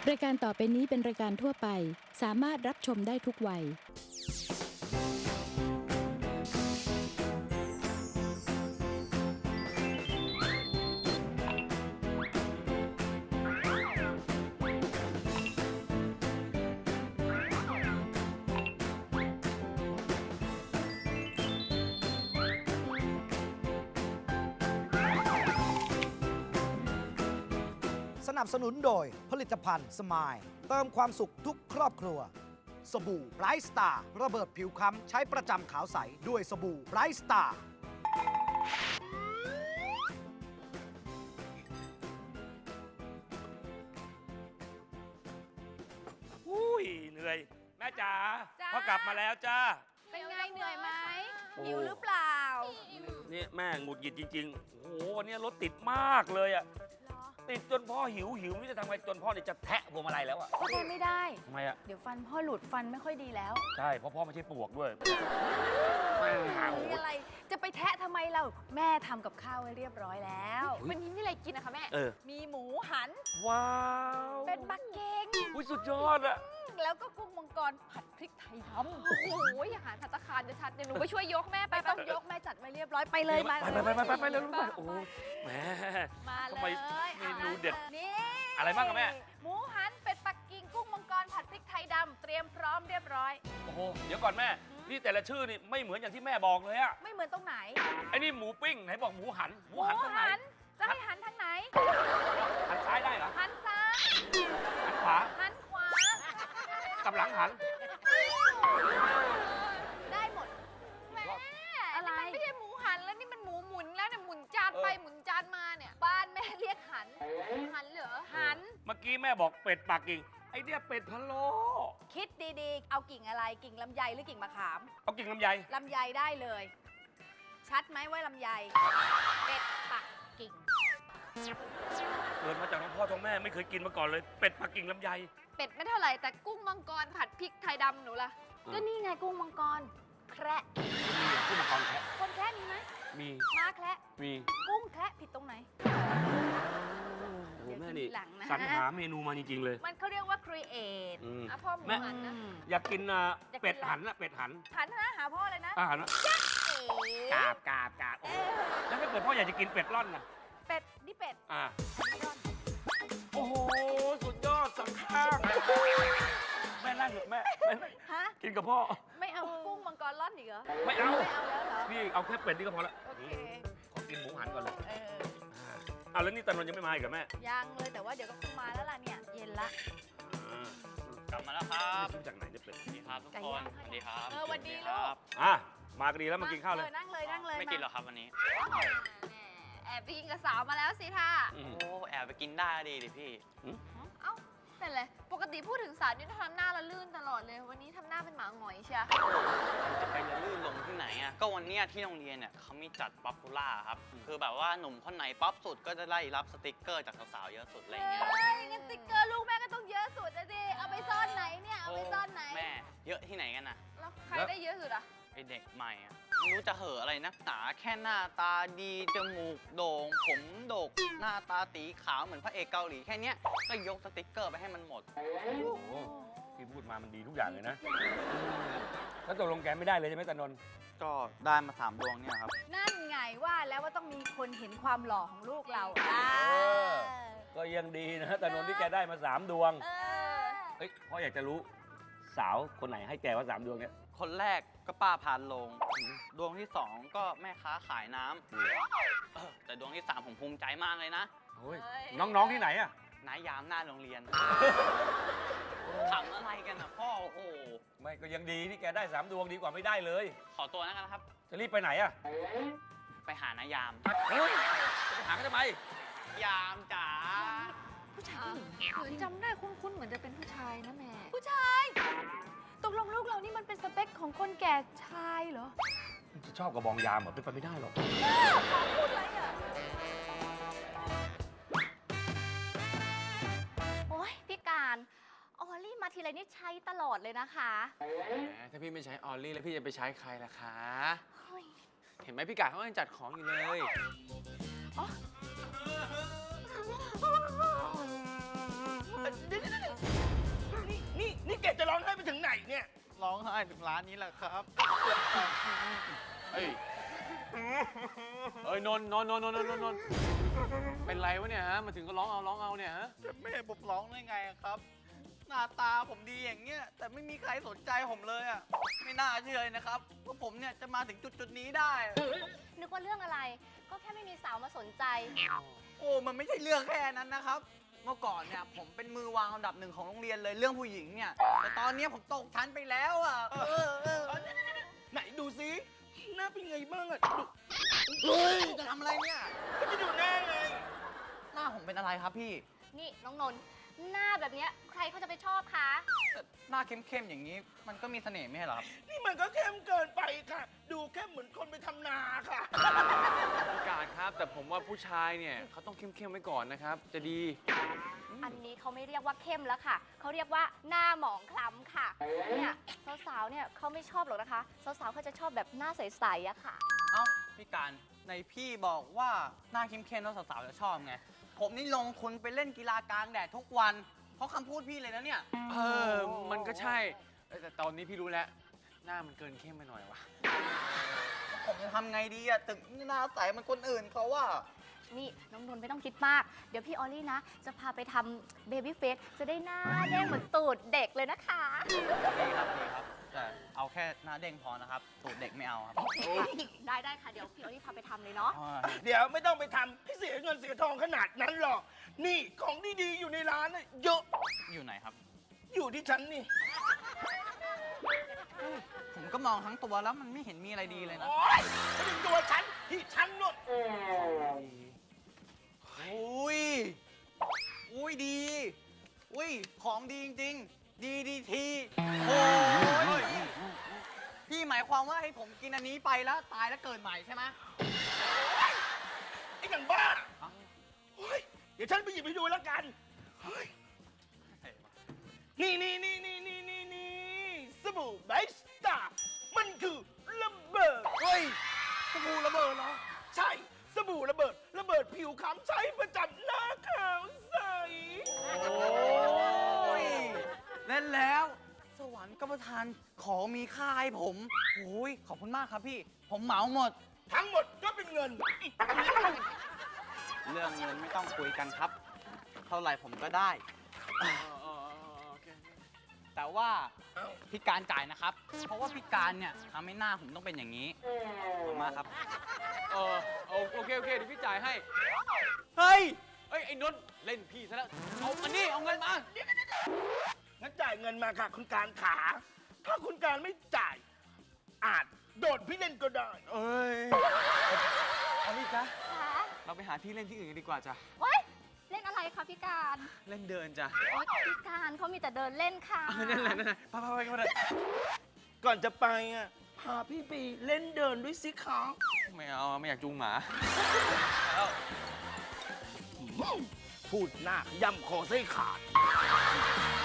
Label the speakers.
Speaker 1: รายการต่อไปนี้เป็นรายการทั่วไปสามารถรับชมได้ทุกวัย
Speaker 2: สนับสนุนโดยผลิตภัณฑ์สมายเติมความสุขทุกครอบครัวสบู่ไบรท์สตาร์ระเบิดผิวค้ำใช้ประจำขาวใสด้วยสบู่ไบรท์สตาร์
Speaker 3: อุ้ยเหนื่อยแม่จ๋า
Speaker 4: จ้า
Speaker 3: พ่อกลับมาแล้วจ้า
Speaker 4: เป็นไงเหนื่อยไหม
Speaker 3: โอ้
Speaker 4: หิวหรือเปล่า
Speaker 3: นี่แม่หงุดหงิดจริงๆ โอ้โหวันนี้รถติดมากเลยอะ
Speaker 4: เหรอ
Speaker 3: ติดจนพ่อหิวไม่รู้จะทำไงจนพ่อเนี่ยจะแทะพวงมาลัยแล้วอะ
Speaker 4: พ่อแทนไม่ได้
Speaker 3: ทำไมอะ
Speaker 4: เดี๋ยวฟันพ่อหลุดฟันไม่ค่อยดีแล้ว
Speaker 3: ใช่เพราะพ่อไม่ใช่ปลวกด้วยแม่หาโอ้โห
Speaker 4: มีอะไรจะไปแทะทำไมเราแม่ทำกับข้าวไว้เรียบร้อยแล้ว
Speaker 5: วันนี้มีอะไรกินนะคะแม่
Speaker 3: เออ
Speaker 4: มีหมูหัน
Speaker 3: ว้าว
Speaker 4: เป็นบักเก้ง
Speaker 3: อุ้ยสุดยอดอะ
Speaker 4: แล้วก็กุ้งมังกรผัดพริกไทยดำ
Speaker 5: โอ้โหอาหารภัตตาคารจะชัดเดี๋ยวหนูไปช่วยยกแม่ไป
Speaker 4: ไม่ต้องยกแม่จัดไว้เรียบร้อยไปเลยมา
Speaker 3: ไปเร็วไปโอ้โหแหม
Speaker 4: มา
Speaker 3: ทำ
Speaker 4: เล
Speaker 3: ไม
Speaker 4: ย
Speaker 3: เมนูเด็ด
Speaker 4: นี่
Speaker 3: อะไรบ้างครับแม่
Speaker 4: หมูหันเป็ดปักกิ่งกุ้งมังกรผัดพริกไทยดำเตรียมพร้อมเรียบร้อย
Speaker 3: โอ้โหเดี๋ยวก่อนแม่นี่แต่ละชื่อนี่ไม่เหมือนอย่างที่แม่บอกเลยอะ
Speaker 4: ไม่เหมือนตรงไหน
Speaker 3: ไอ้นี่หมูปิ้งไหนบอกหมูหันหมูหันตรงไหน
Speaker 4: จะให้หันทางไหน
Speaker 3: หันซ้ายได้เหรอ
Speaker 4: หันซ้าย
Speaker 3: หันขวา
Speaker 4: หันขวา
Speaker 3: กับหลังหัน
Speaker 4: ได้หมด
Speaker 5: แม่
Speaker 4: อะไร
Speaker 5: นี่มันไม่ใช่หมูหันแล้วนี่มันหมูหมุนแล้วเนี่ยหมุนจานไปหมุนจานมาเนี่ย
Speaker 4: บ้านแม่เรียกหัน
Speaker 5: หันเหรอ
Speaker 4: หัน
Speaker 3: เมื่อกี้แม่บอกเป็ดปักกิ่งไอเนี่ยเป็ดพะโล้
Speaker 4: คิดดีๆ เอากิ่งอะไร กิ่งลำไยหรือกิ่งมะขาม
Speaker 3: เอากิ่งลำไย
Speaker 4: ลำไยได้เลย ชัดไหมว่าลำไย เป็ดปักกิ่ง
Speaker 3: เกิดมาจากท้องพ่อท้องแม่ไม่เคยกินมาก่อนเลยเป็ดปักกิ่งลำไย
Speaker 5: เป็ดไม่เท่าไหร่แต่กุ้งมังกรผัดพริกไทยดำหนูล่ะ
Speaker 4: ก็นี่ไงกุ้งมังกร แคระ
Speaker 3: มีกุ้งมังกรแคะ
Speaker 4: คนแคระมีไหม
Speaker 3: มี
Speaker 4: ม้าแคระ
Speaker 3: มี
Speaker 4: กุ้งแคระผิดตรงไหน
Speaker 3: โอ้โหแม่นี่
Speaker 4: เดี๋ยวทีหลังนะ
Speaker 3: สรรหาเมนูมาจริงๆเลย
Speaker 4: มันเขาเรียกว่า create
Speaker 3: อืม
Speaker 5: อ่ะพ่อหมู
Speaker 3: แม่
Speaker 5: หันนะ
Speaker 3: อยากกินเป็ดหันนะเป็ดหัน
Speaker 4: หันนะหาพ่อเลยนะ
Speaker 3: หันนะ
Speaker 4: เอ๋
Speaker 3: กาบโอ้โหแล้วถ้าเกิดพ่ออยากจะกินเป็ดร่อนน่ะ
Speaker 4: เป็ดนี่เป็ด
Speaker 3: อ่า
Speaker 4: อันนี้ร่อน
Speaker 3: โอ้โหสุดยอดสังข้างแม่นั่งเถอะแม่นั่ง
Speaker 4: ฮะ
Speaker 3: กินกับพ่อ
Speaker 4: ไม่เอากุ้งมังกรร่อนอีกเหรอ
Speaker 3: ไม่เอา
Speaker 4: ไม่เอาแล้วเหรอ
Speaker 3: พี่เอาแค่เป็ดนี่ก็พอละ
Speaker 4: โอเค
Speaker 3: ขอกินหมูหันก่อนเลย
Speaker 4: เออ
Speaker 3: อ่าแล้วนี่ตานนท์ยังไม่มาอีกเหรอแม่
Speaker 4: ยังเลยแต่ว่าเดี๋ยวก็คงมาแล้วล่ะเนี่ย เย็นละ
Speaker 3: อ่าก
Speaker 6: ลับมาแล้วครับ
Speaker 3: ซื้อจากไหนเนี่ยเป็ด
Speaker 6: สวัสดีครับทุก
Speaker 4: ไก่
Speaker 6: ค
Speaker 4: ย่าน ง
Speaker 6: สวัสดีครับ
Speaker 4: สวัสดี
Speaker 6: ค
Speaker 4: ลู
Speaker 6: รั
Speaker 4: ก
Speaker 6: บ
Speaker 3: อ่ะมาก็ดีแล้วมากินข้าวเลย
Speaker 4: นั่งเลยนั่งเลย
Speaker 6: ไม่กินหรอกครับวันนี้
Speaker 5: แหมแอบไปกินกับสาวมาแล้วสิท่า
Speaker 3: อืม
Speaker 6: โอ้แอบไปกินได้ดีดิพี่
Speaker 5: เอ้าเป็นไรปกติพูดถึงสาวนี่ทำหน้าละลื่นตลอดเลย วันนี้ทำหน้าเป็นหมาหงอยเชีย
Speaker 6: จะไปจะลื่นลงที่ไหนอ่ะ ก็วันเนี้ยที่โรงเรียนเนี่ยเขามีจัดป๊อปปูล่าครับ คือแบบว่าหนุ่มคนไหนป๊อปสุดก็จะได้รับสติกเกอร์จากสาวๆเยอะสุดอะไรอย่างเงี้ย
Speaker 4: เฮ้ยงั้นติ๊กเกอร์ลูกแม่ก็ต้องเยอะสุดนะดิเอาไปซ่อนไหนเนี่ย เอาไปซ่อนไหน
Speaker 6: แม่เยอะที่ไหนกันน่ะ
Speaker 5: แล้วใครได้เยอะสุดอะ
Speaker 6: ไอเด็กใหม่อ่ะไม่รู้จะเห่อะอะไรนักหนาแค่หน้าตาดีจมูกโด่งผมโดกหน้าตาตีขาวเหมือนพระเอกเกาหลีแค่เนี้ยก็ยกสติกเกอร์ไปให้มันหมด
Speaker 3: โอ้โหที่พูดมามันดีทุกอย่างเลยนะแล้วตกลงแกไม่ได้เลยใช่ไหมตานนท์
Speaker 6: ก็ได้มา3 ดวงเนี่ยครับ
Speaker 4: นั่นไงว่าแล้วว่าต้องมีคนเห็นความหล่อของลูกเรา
Speaker 3: ก็ยังดีนะตานนท์ที่แกได้มา3 ดวง
Speaker 4: เออ
Speaker 3: เฮ้ยพ่ออยากจะรู้สาวคนไหนให้แกว่า3 ดวงเนี่ย
Speaker 6: คนแรกก็ป้าพานลง ดวงที่ 2 ก็แม่ค้าขายน้ำแต่ดวงที่ 3 ผมภูมิใจมากเลยนะ
Speaker 3: โอ้ยน้องๆที่ไหนอะ
Speaker 6: นายยามหน้าโรงเรียนขำอะไรกันอ่ะพ่อ โอ้โห
Speaker 3: ไม่ก็ยังดีที่แกได้ 3 ดวงดีกว่าไม่ได้เลย
Speaker 6: ขอตัวนะครับ
Speaker 3: จะรีบไปไหนอะ
Speaker 6: ไปหานายาม
Speaker 3: เฮ้ยจะไปหากันทำไม
Speaker 6: ยามจ๋า
Speaker 4: ผู้ชาย
Speaker 5: หนูจำได้คุ้นๆเหมือนจะเป็นผู้ชายนะแม่
Speaker 4: ผู้ชาย ตกลงลูกเรานี่มันเป็นสเปคของคนแก่ชายเหรอ
Speaker 3: จะชอบกับบองยามเหรอเป็นไปไม่ได้หรอก
Speaker 4: พูดอะไรอ่ะ
Speaker 5: โอ้ยพี่การออลลี่มาทีไรนี่ใช้ตลอดเลยนะคะ
Speaker 7: ถ้าพี่ไม่ใช้ออลลี่แล้วพี่จะไปใช้ใครล่ะคะ
Speaker 5: เฮ้ย
Speaker 7: เห็นไหมพี่กาเขายังจัดของอยู่เลย
Speaker 5: เดี๋ยว
Speaker 6: ร้องไห้ถึงร้านนี้แหละครับ
Speaker 7: เอ้ยนนท์เป็นไรวะเนี่ยฮะ มาถึงก็ร้องเอาเนี่ยฮะ
Speaker 6: จะไม่ให้ผมร้องได้ไงอะครับ หน้าตาผมดีอย่างเงี้ยแต่ไม่มีใครสนใจผมเลยอ่ะไม่น่าเชื่อเลยนะครับว่าผมเนี่ยจะมาถึงจุดนี้ได้
Speaker 5: นึกว่าเรื่องอะไร ก็แค่ไม่มีสาวมาสนใจ
Speaker 6: โอ้มันไม่ใช่เรื่องแค่นั้นนะครับ เมื่อก่อนเนี่ยผมเป็นมือวางอันดับ 1ของโรงเรียนเลยเรื่องผู้หญิงเนี่ยแต่ตอนนี้ผมตกชั้นไปแล้วอ่ะ
Speaker 3: ไหนดูซิหน้าเป็นไงบ้างอะ
Speaker 6: เฮ้ยจะทำอะไรเนี่ย
Speaker 3: ก็จะดูหน้าไง
Speaker 6: หน้าผมเป็นอะไรครับพี่
Speaker 5: นี่น้องนนท์หน้าแบบเนี้ยใครเขาจะไปชอบคะ
Speaker 6: แต่หน้าเข้มๆอย่างนี้มันก็มีเสน่ห์ไม่ใช่เหรอครับ
Speaker 3: นี่มันก็เข้มเกินไปค่ะ ดูเข้มเหมือนคนไปทำนาค่ะ
Speaker 7: พี่กาดครับ แต่ผมว่าผู้ชายเนี่ยเขาต้องเข้มๆไว้ก่อนนะครับ จะดี
Speaker 5: อันนี้เขาไม่เรียกว่าเข้มแล้วค่ะ เขาเรียกว่าหน้าหมองคล้ำค่ะ เนี่ยสาวๆเนี่ยเขาไม่ชอบหรอกนะคะ สาวๆเขาจะชอบแบบหน้าใสๆอะค่ะ
Speaker 6: เอ้าพี่การในพี่บอกว่าหน้าเข้มๆแล้วสาวๆจะชอบไงผมนี่ลงทุนไปเล่นกีฬากลางแดดทุกวันเพราะคำพูดพี่เลยนะเนี่ย
Speaker 7: มันก็ใช่ แต่ตอนนี้พี่รู้แล้ว หน้ามันเกินเข้มไปหน่อยวะ
Speaker 6: ผมจะทำไงดีอะถึงหน้าใสเหมันคนอื่นเขาว่า
Speaker 5: นี่น้องนนท์ไม่ต้องคิดมาก เดี๋ยวพี่ออลลี่นะ จะพาไปทำเบบี้เฟสจะได้หน้าเด้งเหมือนตูดเด็กเลยนะคะ
Speaker 6: ดีครับแต่เอาแค่หน้าเด้งพอนะครับตูดเด็กไม่เอาครับ
Speaker 5: ได้ค่ะ เดี๋ยวพี่ออลลี่พาไปทำเลยเนาะ
Speaker 3: เดี๋ยวไม่ต้องไปทำให้เสียเงินเสียทองขนาดนั้นหรอก นี่ของดีๆอยู่ในร้านน่ะเยอะ
Speaker 6: อยู่ไหนครับ
Speaker 3: อยู่ที่ฉันนี่
Speaker 6: ผมก็มองทั้งตัวแล้วมันไม่เห็นมีอะไรดีเลยนะ
Speaker 3: โอ๊ยไม่เป็นตัวฉันที่ฉันนู่น
Speaker 6: อุ้ย อุ้ยดี อุ้ยของดีจริงๆ ดีทีโอ้ยพี่หมายความว่าให้ผมกินอันนี้ไปแล้วตายแล้วเกิดใหม่ใช่ไหม
Speaker 3: ไอ้หนังบ้าโอ๊ยเดี๋ยวฉันไปหยิบให้ดูแล้วกันเฮ้ยนี่สบู่ไบสตาร์มันคือระเบิด
Speaker 6: เฮ้ยสบู่ระเบิดเหรอ
Speaker 3: ใช่สบู่ระเบิดผิวขาวใช้ประจำหน้าขาวใส
Speaker 6: โอ้ยเล่นแล้ว สวรรค์ก็ประทานของมีค่าให้ผมโอ้ยขอบคุณมากครับพี่ ผมเหมาหมด
Speaker 3: ทั้งหมดก็เป็นเงิน
Speaker 6: เรื่องเงินไม่ต้องคุยกันครับ เท่าไหร่ผมก็ได้ แต่ว่าพี่การจ่ายนะครับ เพราะว่าพี่การเนี่ยทำให้หน้าผมต้องเป็นอย่างนี้ขอบคุณมากครับ
Speaker 7: โอเค เดี๋ยวพี่จ่ายให้
Speaker 6: เฮ้ย
Speaker 7: ไอ้นนท์เล่นพี่ซะแล้ว เอาอันนี้เอาเงินมา
Speaker 3: งั้นจ่ายเงินมาค่ะคุณการขา ถ้าคุณการไม่จ่าย อาจโดดพี่เล่นก็ได้
Speaker 7: เอ้ยเอาพี่จ๊ะ
Speaker 5: ค่ะ
Speaker 7: เราไปหาที่เล่นที่อื่นกันดีกว่าจ้ะ
Speaker 5: โอ๊ยเล่นอะไรคะพี่การ
Speaker 7: เล่นเดินจ้ะ
Speaker 5: โอ๊ยพี่การเขามีแต่เดินเล่นค่ะ
Speaker 7: นั่นแหละไปกันเลย
Speaker 3: ก่อนจะไปอ่ะพาพี่ไปเล่นเดินด้วยสิคะ
Speaker 7: ไม่เอาไม่อยากจูงหมา
Speaker 3: พูดหน้าย่ำคอไส้ขาด